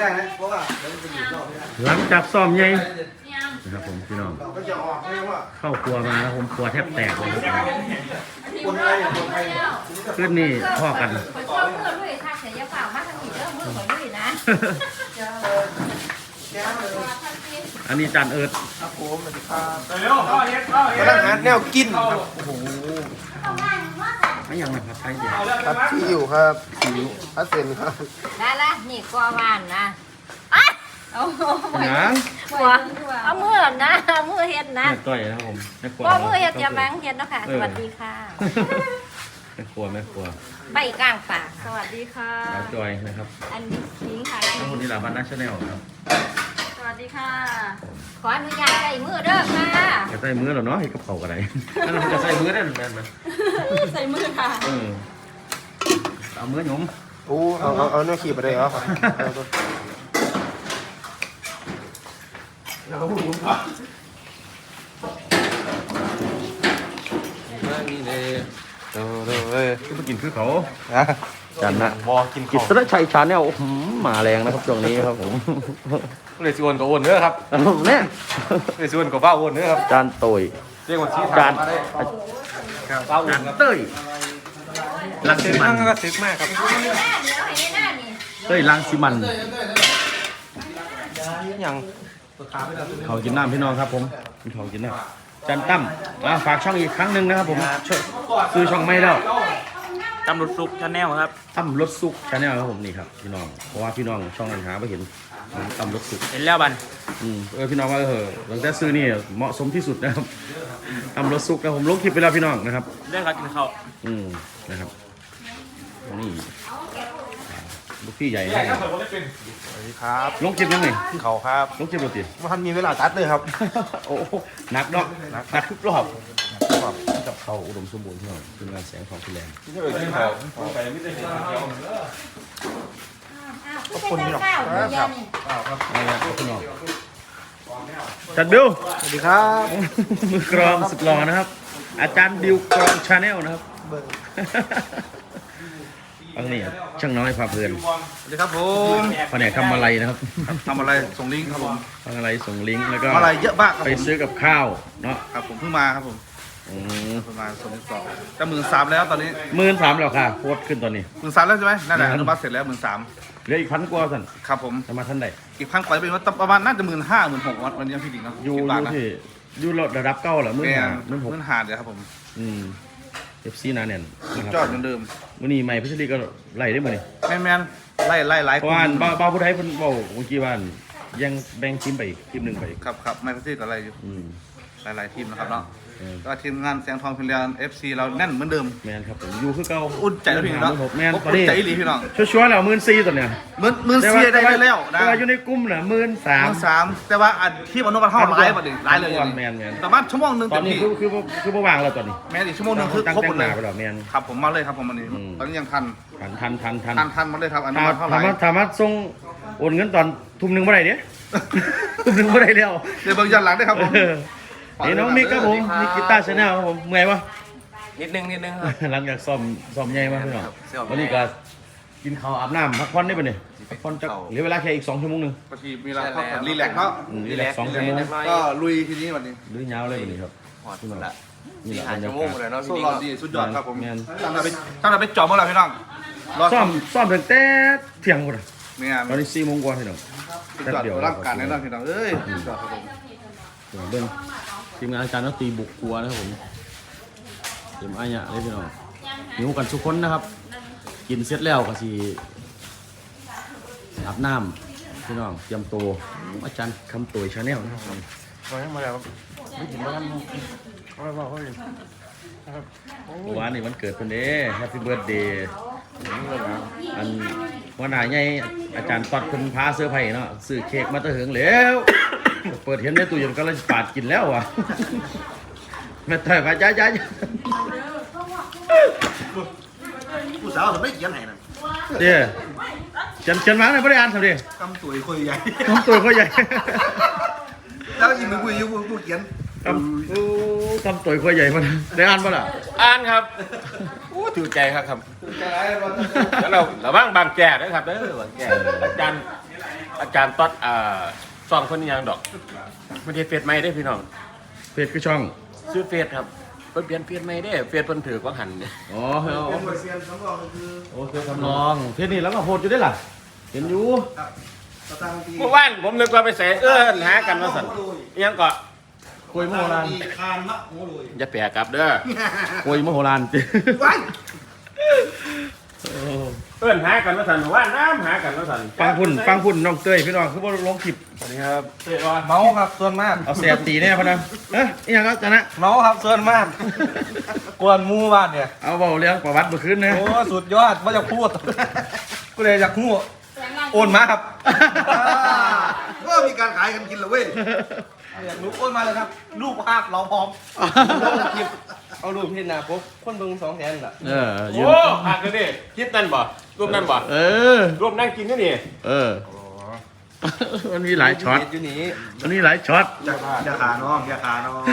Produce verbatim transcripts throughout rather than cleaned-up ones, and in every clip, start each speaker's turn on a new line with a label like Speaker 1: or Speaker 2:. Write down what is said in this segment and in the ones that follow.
Speaker 1: ได้นะเพราะว่าเดี๋ยวมันจะหยุดรอบไม่ได้
Speaker 2: หลังจากซ้อมใหญ่นะครับผมพี่น้อง
Speaker 1: ก็จะออกไม่ว่า
Speaker 2: เข้าครัวมาแล้วผมครัวแทบแตกเลย
Speaker 1: คนไทยคนไทย
Speaker 2: ขึ้นนี่พ่อกัน
Speaker 3: คนชอบเพื่อนด้วยถ้าเสียเปล่ามาทางนี้เริ่มเมื่อเหมือนด้วยนะ
Speaker 2: อันนี้จานเอิร์ด
Speaker 1: ครับผมสวัสดีครับ
Speaker 4: เร็วเข้าเฮ็ดเข้าเฮ็
Speaker 1: กำลัง
Speaker 4: ด
Speaker 1: หาแนวกินครับโอ้โห
Speaker 2: ไม่ยังนะครับไทยเดียว
Speaker 1: ครับที่อยู่ครับสิวพัสเซนครับ
Speaker 3: ได้ละนี่กวานนะอ่ะเอาหัว
Speaker 2: นะ
Speaker 3: หัวเอามือนะเอามือเฮ็ดนะ
Speaker 2: แม่ก้อยนะครับผมแม่ครัว
Speaker 3: ก็มือเฮ็ดจะมังเฮ็ดเนาะค่ะสวัสดีค่ะ
Speaker 2: แม่ครัวแม่ครัว
Speaker 3: ใบกลางป่า
Speaker 5: สวัสดีค่ะ
Speaker 2: สาวจอยนะครับ
Speaker 3: อันนี้
Speaker 5: คิงค่ะ
Speaker 2: ทั้งคนที่หลาบันนัชแนลครับ
Speaker 5: สวัสดีค่ะ
Speaker 3: ขออนุญาตใส่มือเด้อค่ะ
Speaker 2: จะใส่มือเหรอเนาะให้กระเป๋ากันไหนนั่นมันจะใส่มือได้หรือแม่นไหม
Speaker 5: ใส่มือค่ะ
Speaker 2: เออเอามือหนุ่ม
Speaker 1: โอ้เอาเอาเอาเนื้อขีดไปเลยเหรอเอาตัวนี่เลยเดี๋ยวเดี๋ยวเว้ย
Speaker 2: ก็ไปกินคือเขา
Speaker 1: นะ
Speaker 2: จันนะ
Speaker 1: วอกิน
Speaker 2: กิตรชัยชาแนลมาแรงนะครับช่วงนี้ครับผม
Speaker 1: เลยชวนกับอ้วนเนื้อครับ
Speaker 2: เนี่ย
Speaker 1: เลยชวนกับบ้าอ้วนเนื้อครับ
Speaker 2: จานโตย
Speaker 1: เรียกว่าชี้
Speaker 2: จา
Speaker 1: ทาน งมาได้บ้าอ้ว
Speaker 2: จาน น
Speaker 1: ครับ
Speaker 2: เต้ยลัง
Speaker 1: ซึ
Speaker 2: สิ
Speaker 1: ก
Speaker 2: มั
Speaker 1: มาน กก็ซึกมากครับ
Speaker 3: เดี๋ยวให้หน้านี่
Speaker 2: เต้ยลังสิมัน
Speaker 1: ยัง
Speaker 2: เขากินน้ำพี่น้องครับผมกินเขากินน้ำจันตั้มอ่ะฝากช่องอีกครั้งหนึ่งนะครับผมช่วยซื้อช่องไม่แล้ว
Speaker 4: ตำรวจซุกชาแนลครับ
Speaker 2: ตั้มรถซุกชาแนลครับผมนี่ครับพี่น้องเพราะว่าพี่น้องช่องนั้นหาไม่เห็นตั้มรถซุก
Speaker 4: เห็นแล้วบัน
Speaker 2: อืมเออพี่น้องว่าเออหลังจากซื้อนี่เหมาะสมที่สุดนะครับตั้มรถซุกนะผมลงคลิปไปแล้วพี่น้องนะครับ
Speaker 4: เรื่องการกินข้าว
Speaker 2: อืมนะครับนี่ลูกพี่ใหญ่ให้
Speaker 1: สวัสดีครับ
Speaker 2: ลงคลิปยังไง
Speaker 1: เขาครับ
Speaker 2: ลงคลิปปกติ
Speaker 1: ว่าท่านมีเวลาตัดเลยครับ
Speaker 2: โอ้โหหนักเนาะหนักทุกรอบกับเขาอุดมสมบูรณ์ที่น้องทีมงานแสงทองฟิแลนด์
Speaker 1: ที่เอ่ยที่เขา
Speaker 3: ขอบคุณที่เราเดี๋ยวนี่
Speaker 2: อะไรนะพี่น้องจัดบิว
Speaker 1: สวัสดีครับ
Speaker 2: มือกรองสุดหล่อนะครับ อาจารย์บิวกรองชาแนลนะครับอันนี้ช่างน้อยพาเพลิน
Speaker 1: สวัสดีครับผม
Speaker 2: แผนกทำอะไรนะครับ
Speaker 1: ทำอะไรส่งลิงก์ครับผม
Speaker 2: ทำอะไรส่งลิงก์แล้วก็
Speaker 1: ทำอะไรเยอะมากครับ
Speaker 2: ไป
Speaker 1: ผม
Speaker 2: ซื้อกับข้าวเนาะ
Speaker 1: ครับผมเพิ่งมาครับผม
Speaker 2: อืม
Speaker 1: เพิ่งมาส่งลิงก์ต่อจะหมื่นสามแล้วตอนนี้
Speaker 2: หมื่นสามแล้วค่ะโคตรขึ้นตอนนี้
Speaker 1: หมื่นสามแล้วใช่ไหมนั่นแหละอนุมัติเสร็จแล้วหมื่นสาม
Speaker 2: เหลืออีกพันกว่าสัน
Speaker 1: ครับผม
Speaker 2: จะมาท่านใด
Speaker 1: อีกพันกว่าจะเป็นว่าประมาณน่าจะหมื่นห้าหมื่นหกวันนี้พี่ดิงเนาะ
Speaker 2: อยู่
Speaker 1: คิด
Speaker 2: อ
Speaker 1: บ้าง
Speaker 2: ยู่
Speaker 1: นะ
Speaker 2: ที่อยู่ระดับเก้าเหรอหมื่น
Speaker 1: แม่
Speaker 2: ห้าหมื่นหก
Speaker 1: หมื่นหาเดี๋ยวครับผม
Speaker 2: อืมเอฟซีนาเนี่ยนะครับ
Speaker 1: จอดเหมือนเดิม
Speaker 2: วันนี้ใหม่พิชลีก็ไล่ได้หมดนี่
Speaker 1: แมนแมนไล่ไล่ไล่
Speaker 2: เพราะว่าบ้าบ้าผู้ไทยเพิ่นเว้าเมื่อกี้ว่ายังแบ่งทีมไปอีกทีมหนึ่งไปอีก
Speaker 1: ครับครับไม่พิเศษกับอะไรอยู่
Speaker 2: อืม
Speaker 1: หลายๆทีมนะครับเนาะ
Speaker 2: เออ
Speaker 1: ก็ทีมงานแสงทองพิลเลียนเอฟซีเราแน่นเหมือนเดิม
Speaker 2: แมนครับผมอยู่คือเก่า
Speaker 1: อุ่นใจแล้วพี่น้อง
Speaker 2: หกแมนตอน
Speaker 1: อุ่น
Speaker 2: นี้
Speaker 1: ใจอีหลีพี่น้อง
Speaker 2: ชัวร์ๆแล้วหมื่นสี่ตัวเนี่ย
Speaker 1: หมื่นหมื่นเสียได้แล้วนะ
Speaker 2: แต่ว่าอยู่ในกลุ่มน่ะหมื่นสา
Speaker 1: ห
Speaker 2: ม
Speaker 1: มื่นสามแต่ว่าอันที่มนุษย์มันเข้าไลฟ์มาดิไลฟ์เลยอย่าง
Speaker 2: แม
Speaker 1: นี้
Speaker 2: นแมน
Speaker 1: ประมาณชั่วโมงหนึ่ง
Speaker 2: ตอ
Speaker 1: เต็
Speaker 2: น
Speaker 1: ม
Speaker 2: นี้
Speaker 1: ที่
Speaker 2: คือคือคือบ่วางแล้วตอนนี้
Speaker 1: แม้อีกชั่วโมงหนึ่งคือ
Speaker 2: ตั้ง
Speaker 1: ครบ
Speaker 2: แต่
Speaker 1: หมด
Speaker 2: ง
Speaker 1: เล
Speaker 2: หน้าย ไปแล้วแมน
Speaker 1: ครับผมมาเลยครับผมวันนี้
Speaker 2: อืม
Speaker 1: ตอนนี้ยังทัน
Speaker 2: ทันทันทันทัน
Speaker 1: ทันทันมาเลยครับอนุ
Speaker 2: ถ้า
Speaker 1: มัติเท่าไห
Speaker 2: ถา
Speaker 1: ร่
Speaker 2: มว่าถามว่าส่งโอนเงินตอนทุ่มหนึ่งเมื่อไหร่เนี่ย ทุ่มหนึ่งเมื่อไหร่แล้ว
Speaker 1: เดี๋ยวเบิ่งย้อนหลังได้ครับผม
Speaker 2: เออนี่น้องมิกครับผมมิกกีตาร์ชาแนลครับผมเมื่อยวะ
Speaker 4: นิดนึงนิดนึงครับ
Speaker 2: หลังจากซ้อมซ้อมใหญ่มากพี่น้อง
Speaker 4: ครับซ้อม
Speaker 2: วันนี้ก็กินข้าวอาบน้ำพักผ่อนได้ปะเนี่ยพักผ่อนจะเหลือเวลาแค่อีกสองชั่วโมงหนึง
Speaker 1: บางทีมีเราพักผ่อนรีแลกซ์เนาะ
Speaker 2: อืมรีแลกซ์สองชั่วโมง
Speaker 1: ก็ลุยทีนี้วันนี้
Speaker 2: หรือยาวเลยปะเนี่ยครับ
Speaker 4: หอดละ
Speaker 2: นี่
Speaker 4: สี่
Speaker 2: แหละ
Speaker 4: ห้า
Speaker 2: บรร
Speaker 4: ชั่
Speaker 2: ยาว
Speaker 4: โมง
Speaker 2: กาศ
Speaker 4: เลยเนาะ
Speaker 1: โซ่
Speaker 4: พี่
Speaker 1: ร
Speaker 4: ดิ
Speaker 1: อดดีสุดยอดครับผม
Speaker 2: แมน
Speaker 1: ตั้งแต่ไปตั้งแต่ไปจอมเมื่อไหร่พี่น้องรอ
Speaker 2: ซ้อมซ้อมตั้งแต่เที่ยงหมด
Speaker 1: เนี่ย
Speaker 2: ตอนนี้สี่โมงกว่าพี่น้อง
Speaker 1: สุดยอดร่างกายแน่นอนพี่น้องเอ้ยสุดยอดครับผม
Speaker 2: เบิ้งทีมงานอาจารย์นักตีบุกครัวนะครับผมเตรียมอายะเลยพี่น้องหิวกันทุกคนนะครับ กินเสร็จแล้วก็สิอาบน้ำพี่น้องเตรียมตัวอาจารย์คำตัวชาแนลนะครับผม
Speaker 1: มาแล้วมาแล้วไม่ถึงแล้วเขาบอกเขาเอง
Speaker 2: เมื่อวานนี่วันเกิดเพิ่นเด้แฮปปี้เบิร์ดเดย์อันวันหน้าใหญ่อาจารย์ตอดเพิ่นพาเสื้อร์ไผ่เนาะซื้อเค้กมาแตะเหิงแล้ว เปิดเห็นในตู้เย็นก็เลยปาดกินแล้วว่ะแม่ต่อยมาจ้าจ้า
Speaker 1: ผู้สาวผมไม่เขียนไหนนะ
Speaker 2: เดี๋ยวเขียนเขียนมาหน่อยไม่ได้อ่านทำดิ
Speaker 1: กำตุ๋ยคุยใหญ่
Speaker 2: น้องตัวเขาใหญ่
Speaker 1: แล้วอีกมือคุยอยู่ผู้เขียน
Speaker 2: คำโอ้คำตัวเขาใหญ่มันได้อ่านป่ะล่ะ
Speaker 4: อ่านครับอู้ถือใจครับครับแล้วเราระวังบางแก่ด้วยครับเด้อบางแก่อาจารย์อาจารย์ต๊อดอ่าซองคนนี้ยังดอกไม่ได้เฟซใหม่ได้พี่น้อง
Speaker 2: เพจคือช่อง
Speaker 4: ซื้อเฟซครับเพิ่นเปลี่ยนเฟซใหม่ได้เฟซเพิ่นถือกว่าหันเนี่ย
Speaker 2: อ๋อเอาโอเคทำนองเพจนี้แล้วก็โพสต์อยู่ได้ล่ะเห็นอยู่
Speaker 4: เมื่อวานผมนึกว่าไปใส่เอื้อนหากันมาสั่นอิหยังก็
Speaker 2: คุยมโหฬาร
Speaker 4: อย่าแปรกลับเด้อ
Speaker 2: คุยมโหฬารจิ
Speaker 4: เอื้อนหากันมาสั่นเมื่อว่านน้ำหากันมาสั่น
Speaker 2: ฟังพุ่นฟังพุ่นน้องเต้ยพี่น้องคือบ่ลงคลิป
Speaker 4: สวัสดีครับเต้ยว่า
Speaker 1: เมาครับส่วนมาก
Speaker 2: เอาเสียตีแน่พะนะเอ๊ะอีหยังก็จะนะ
Speaker 1: เมาครับส่วนมาก กวนหมู่บ้านเนี่ย
Speaker 2: เอาเบาเรื่องประวัติเมื่อคืนนะ
Speaker 1: โอ้สุดยอดว่าจะพูดกูเลยอยากพูดโอนมาครับ
Speaker 6: ก็มีการขายกันกินเหรอเว้ย
Speaker 1: อยากรู้โอนมาเลยครับรูปภาพเราพร้อมลงคลิปเอารูปที่หน้าปุ๊บคนเบิ่งสองแสนล่ะ
Speaker 2: เออยื
Speaker 4: โอ้
Speaker 2: น
Speaker 4: หักกันดิคลิปนั่นบ่รูปนั่นบ่
Speaker 2: เออ
Speaker 4: รูปนั่งกินนี่นี่
Speaker 2: เออ มันมีหลายช็อต
Speaker 1: อยู่นี่
Speaker 2: มันมีหลายช็อต
Speaker 6: อย่าอย่าขาน้องอย่าขาน้อง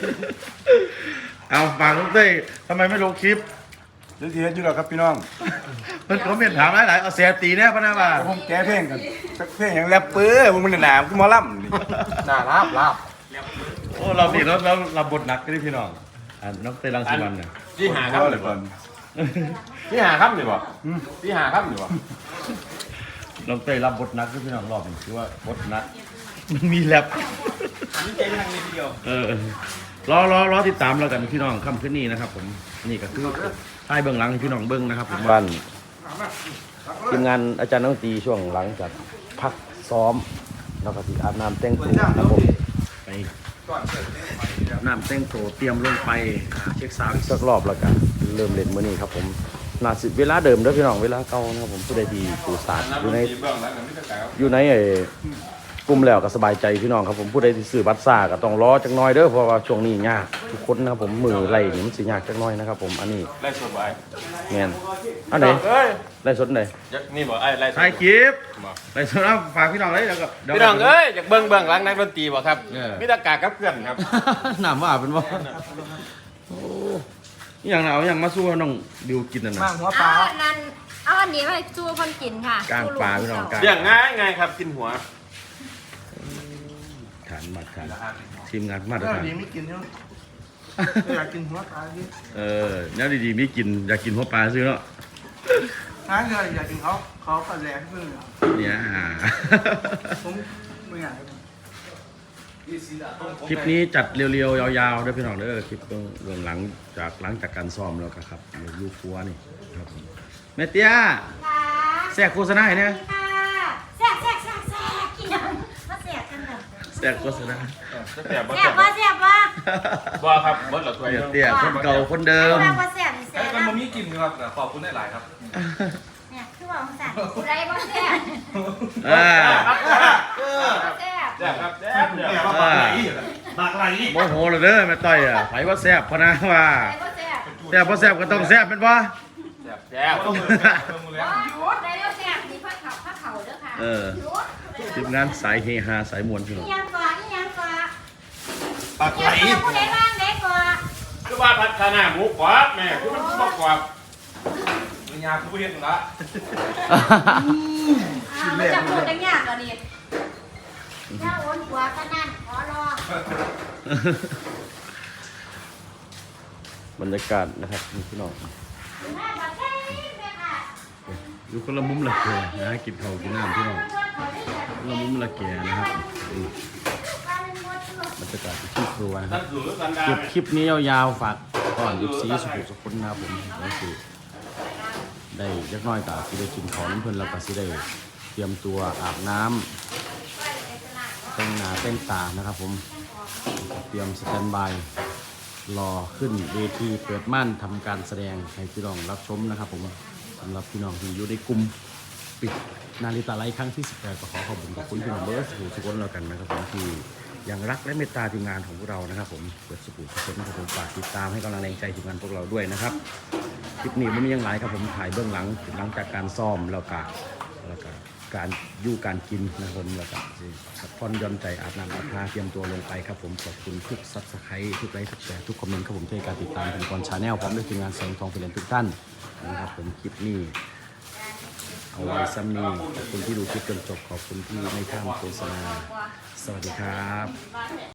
Speaker 2: เอาฝากน้องเต้ยทำไมไม่ลงคลิป
Speaker 6: เรื่องที่เฮ็ดอยู่แล้วครับพี่น้อง
Speaker 2: มันเขาเมียนถามหลายๆเอาเสียตีแน่พะนะว่า
Speaker 6: ผมแก้เพลงกันสักเพลงอย่างแรปเปอร์มึงมันหนามกูหมอลำนี่
Speaker 1: หน้าลาบลาบ
Speaker 2: โอ้เราดีแล้วเราเราบทหนักกันดิพี่น้องอ่าน้องเต้ยรังสิมันเนี่ย
Speaker 4: ที่หาครับเลยบ่ที่หาครับนี่บ่ที่หาครับนี่บ่
Speaker 2: น้องเต้ยรับบทหนักด้วยพี่น้องรอบนี้คือว่าบทหนักมันมีแรป
Speaker 4: นี่ใจทางนี้ทีเดียว
Speaker 2: เออรอรอรอติดตามแล้วกันพี่น้องค่ำคืนนี้นะครับ ผมนี่ก็คือท้ายเบื้องหลังให้พี่น้องเบื้องนะครับผมบ้านทีมงานอาจารย์นักดนตรีช่วงหลังจากพักซ้อมแล้วก็ที่อาบน้ำแต่งตัวครับผมไปอาบน้ำแต่งตัวเตรียมลงไปหาเช็คซาวด์อีกสักรอบแล้วกันเริ่มเล่นมื้อนี้ครับผมน่าสิเวลาเดิมเด้อพี่น้องเวลาเก่านะครับผมผู้ใดที่สู่ศาสตร์อยู่ในอยู่ในไอ้กลุ่มแล้วก็สบายใจพี่น้องครับผมผู้ใดที่ซื้อบัตรซ่าก็ต้องรอจักหน่อยเด้อเพราะว่าช่วงนี้ยากทุกคนนะครับผมมือไล่นี่มันสิยากจักหน่อยนะครับผมอันนี้
Speaker 4: ไล่สดบ่ไอ้
Speaker 2: แม่นอันไหน
Speaker 4: เอ้ย
Speaker 2: ไล่สดไหน
Speaker 4: ยักนี่บ่ไอ้ไล่สด
Speaker 2: ถ่ายคลิปไล่สดเอาฝากพี่น้องเลยแล้วก็ดี๋ยว
Speaker 4: พี่น้องเอ้ยอยากเบิ่งเบื้องหลังนักดนตรีบ่ครับ
Speaker 2: เออ
Speaker 4: มีแตากากับเพื่อนครับ
Speaker 2: น้ำว่าเป็นบ่โอ้อหย่างน่ะเอาอย่างมาสู้ให้น้องดิวกินน่ะนะ
Speaker 1: มากหัวปลา
Speaker 3: เอาอันนั้นเอาอันนี้ไปจูคนกินค่ะ
Speaker 2: กลางปลาพี่น้องกลาง
Speaker 4: เรื่องง่ายง่ายครับกินหัว
Speaker 2: ฐานมาตรฐานทีมงานมาตร
Speaker 1: เออ
Speaker 2: ฐาน
Speaker 1: ดีไม่กินเนาะอยากกินหัวปลาดิ
Speaker 2: เออแนวดีๆมีกินอยากกินหัวปลาซื้อเนาะ
Speaker 1: ถ้าเกิดอยากกินเขาเขาก็แรงขึ้นเลย
Speaker 2: เนี่ยอ่า
Speaker 1: ผมไม่อยาก
Speaker 2: คลิปนี้จัดเรียวๆยาวๆด้วยพี่น้องเด้อคลิปเบื้องหลังจากหลังจากการซ้อมแล้วก็ครับลูกครัวนี่ครับผมแม่เตี้ย
Speaker 3: ค่ะ
Speaker 2: แทรกโฆษณาให้เนี่ย
Speaker 3: ค่ะแซ่บแซ่บแซ่บแซ่บกินยังมาแซ่บกันแบบ
Speaker 2: แทรกโฆษณา
Speaker 4: แต่บ่
Speaker 3: แซ่บว่าแซ่บว่า
Speaker 4: บ่ครับบ่ละตัว
Speaker 2: แม่เตี้ยคนเก่าคนเดิม
Speaker 3: แซ่บว่าแซ่บนี่แซ่บ
Speaker 1: มัน
Speaker 3: นะ
Speaker 1: มามีกินครับขอบคุณหลายๆครับ
Speaker 3: เนี่ยคือว่าของสั่นไรว่าแซ่บ
Speaker 2: อ่า
Speaker 3: แซ่บ
Speaker 4: แซ่บครับแซ่บเด้อ
Speaker 2: อ่า
Speaker 6: ปากไหล
Speaker 2: โมโหเลยเด้อแม่ต้อยอ่ะไผว่าแซ่บพะนะว่า
Speaker 3: ไรว่าแซ่บ
Speaker 2: แซ่บบ่แซ่บก็ต้องแซ่บเป็นบ่
Speaker 4: แซ่บแซ่บ
Speaker 3: ว่าไรว่าแซ่บนี่ผ้าขาวผ้าขาวเด้อค่ะ
Speaker 2: เออทีมงานสายเฮฮาสายมวลพี่น้อง
Speaker 3: ยังก่อนยังก่อน
Speaker 6: ปากไหล
Speaker 3: ยังผู้ใดบ้างเด็กก่อน
Speaker 4: คือว่าพัฒนาหมูกรอบแม่คือมันบ่กรอบ
Speaker 1: มียาคุณผู้เห็นละ
Speaker 3: อ่ามันจะพูดได้ยากกว่านี้ย่าโอนหัวขนาดขอรอบ
Speaker 2: รรยากาศนะครับนี่พี่น้อง
Speaker 3: แม่บอกแค่นี้แม่ค่ะ
Speaker 2: อยู่คนละมุมละแกนะกินข้าวกินน้ำพี่น้องคนละมุมละแกนะครับอืมบรรยากาศที่ครัวนะค
Speaker 4: ท่า
Speaker 2: รับ
Speaker 4: นสู่สันดา
Speaker 2: เก็บคลิปนี้ยาวๆฝากก่อนยุบซีสุขุสุขุนนะครับผมแล้วสิได้ยักน้อยตาสิได้กินของน้ำเพลินแล้วก็สิได้เตรียมตัวอาบน้ำแต่งหน้าแต่งตานะครับผมเตรียมสแตนบายรอขึ้นเวทีเปิดม่านทำการแสดงให้พี่น้องรับชมนะครับผมสำหรับพี่น้องที่อยู่ในกลุ่มปิดนาฬิตาไลฟ์ครั้งที่สิบแปดก็ขอขอบคุณขอบคุณพี่น้องเบิร์ดสุขุสุขุนแล้วกันนะครับผมที่ยังรักและเมตตาทีมงานของพวกเรานะครับผมเปิดสุขุสุขุนนะครับผมฝากติดตามให้กำลังแรงใจทีมงานพวกเราด้วยนะครับคลิปนี้มันมียังหลายครับผมถ่ายเบื้องหลังหลังจากการซ้อมแล้วก็แล้วก็การอยู่การกินนะครับผมแล้วก็พักผ่อนหย่อนใจอาบน้ำอาบท่าเตรียมตัวลงไปครับผมขอบคุณทุกซับสไครต์ทุกไลค์ทุกแชร์ทุกคอมเมนต์ครับผมที่การติดตามเป็นกอนชาแนลพร้อมด้วยทีมงานแสงทองเปลี่ยนทุกท่านนะครับผมคลิปนี้เอาเอาไว้ซ้ำนี้ขอบคุณที่ดูคลิปจนจบขอบคุณที่ไม่ข้ามโฆษณาสวัสดีครับ